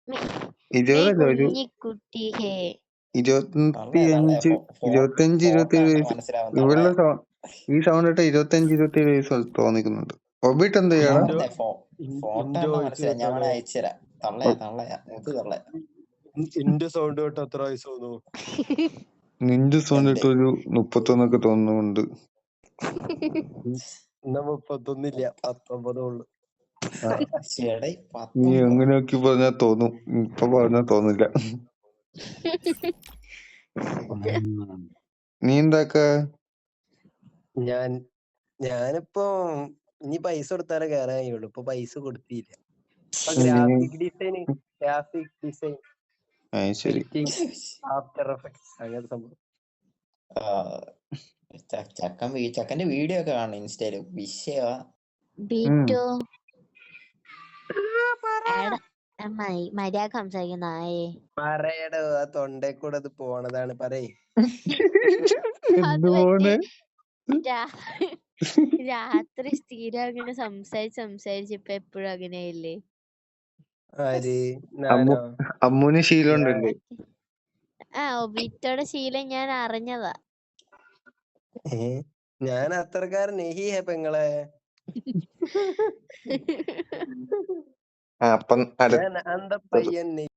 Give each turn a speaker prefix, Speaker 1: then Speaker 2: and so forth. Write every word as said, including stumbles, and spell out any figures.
Speaker 1: ഇരുപതല്ല ഒരു
Speaker 2: കുഞ്ഞിക്കുട്ടി ഹേ
Speaker 1: ഇരുപത്തി അഞ്ച് ഇരുപത്തിയഞ്ച് ഇരുപത്തിയേഴ് വയസ്സ്. ഇവളുടെ ഈ സൗണ്ട് ഇട്ട ഇരുപത്തിയഞ്ച് ഇരുപത്തിയേഴ് വയസ്സ് തോന്നിക്കുന്നുണ്ട്. ഒബിട്ട് എന്ത് ചെയ്യാടാ?
Speaker 3: നിന്റെ സൗണ്ട് കേട്ട് എത്ര വയസ്സ് തോന്നുന്നു?
Speaker 1: നിന്റെ സൗണ്ട് ഇട്ട് ഒരു മുപ്പത്തൊന്നൊക്കെ തോന്നുന്നുണ്ട്.
Speaker 3: എന്നാ മുപ്പത്തൊന്നില്ല, പത്തൊമ്പതേ ഉള്ളു.
Speaker 1: നീ എങ്ങനെ നോക്കി പറഞ്ഞാ തോന്നും, ഇപ്പൊ പറഞ്ഞാ തോന്നില്ല. നീ എന്താക്ക?
Speaker 3: ഞാൻ ഞാനിപ്പോ ഇനി പൈസ കൊടുത്താലേ കയറാൻ കഴിയുള്ളൂ. ഇപ്പൊ പൈസ കൊടുത്തില്ല. Graphic design graphic design after effects അങ്ങനത്തെ സംഭവം.
Speaker 4: ചക്കൻ ചക്കന്റെ വീഡിയോ ഒക്കെ കാണും ഇൻസ്റ്റയില്. വിഷയവാ.
Speaker 2: മര്യാദ സംസാരിക്കുന്നേ.
Speaker 3: പറയടോ, ആ തൊണ്ടേ കൂടെ അത് പോണതാണ്. പറയേ.
Speaker 2: രാത്രി സ്ഥിരം അങ്ങനെ സംസാരിച്ച് സംസാരിച്ച് ഇപ്പൊ എപ്പോഴും അങ്ങനെയല്ലേ?
Speaker 1: അമ്മൂന് ശീലം ഉണ്ടല്ലേ?
Speaker 2: ആ ഒബിറ്റോടെ ശീലം ഞാൻ അറിഞ്ഞതാ.
Speaker 3: ഞാൻ അത്രക്കാരൻ നെഹിയ പെങ്ങളെ.
Speaker 1: അപ്പം
Speaker 3: അന്ത പയ്യൻ